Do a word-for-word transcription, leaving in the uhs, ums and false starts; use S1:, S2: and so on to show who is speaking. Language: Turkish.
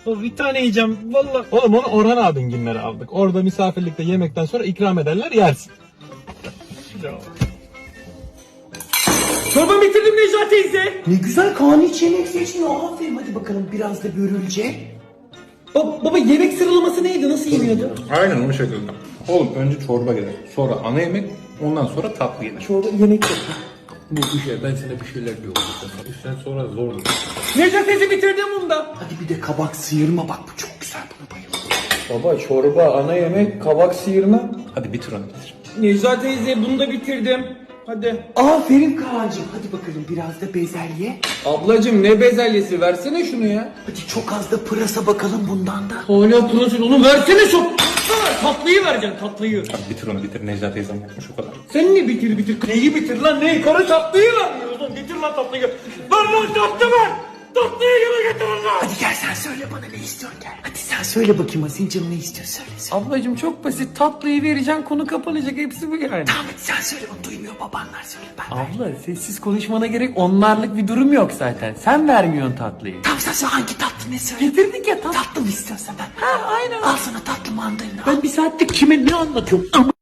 S1: O bir tane yiyeceğim vallahi. Oğlum onu Orhan abin günleri aldık. Orada misafirlikte yemekten sonra ikram ederler yersin.
S2: Çorba bitirdim Necla teyze.
S3: Ne güzel Kaan hiç yemek seçmiyor. Aferin hadi bakalım biraz da börülce.
S2: Ba- baba yemek sıralaması neydi? Nasıl yeniyordu?
S4: Aynen o şekilde. Oğlum önce çorba gelir. Sonra ana yemek. Ondan sonra tatlı gelir.
S2: Çorba yemek yok.
S4: Bu bir şey. Ben sana bir şeyler diyorum. Sen sonra zor.
S2: Necla teyze bitirdim bunu da.
S3: Hadi bir de kabak sıyırma bak bu çok güzel buna bayıldım.
S5: Baba çorba, ana yemek, kabak sıyırma.
S4: Hadi bitir onu bitir.
S2: Necla teyze bunu da bitirdim. Hadi.
S3: Aferin Kaan'cığım hadi bakalım biraz da bezelye.
S5: Ablacım ne bezelyesi versene şunu ya.
S3: Hadi çok az da pırasa bakalım bundan da.
S2: Hala pırasın onu versene çok. Tatlıyı vereceksin tatlıyı.
S4: Hadi bitir onu bitir. Necla teyzem yapmış o kadar.
S2: Sen ne bitir bitir? Neyi bitir lan neyi? Karı tatlıyı vermiyorsun. Getir lan tatlıyı. Ver lan tatlı ver. Tatlıyı gene getirin lan.
S3: Hadi gel sen söyle bana ne istiyorsun gel. Hadi sen söyle bakayım senin canın ne istiyor söyle. söyle.
S2: Ablacım çok basit. Tatlıyı vereceksin konu kapanacak. Hepsi bu yani.
S3: Tamam hadi sen söyle onu duymuyor babanlar söyle ben.
S2: Abla sessiz konuşmana gerek onlarlık bir durum yok zaten. Sen vermiyorsun tatlıyı.
S3: Tamam sen söyle hangi tatlı ne söyle.
S2: Getirdik ya tatlı.
S3: Tatlı mı istiyorsan ben.
S2: Ha aynen.
S3: Al sana tatlı mandalina.
S2: Ben bir saattir kime ne anlatıyorum?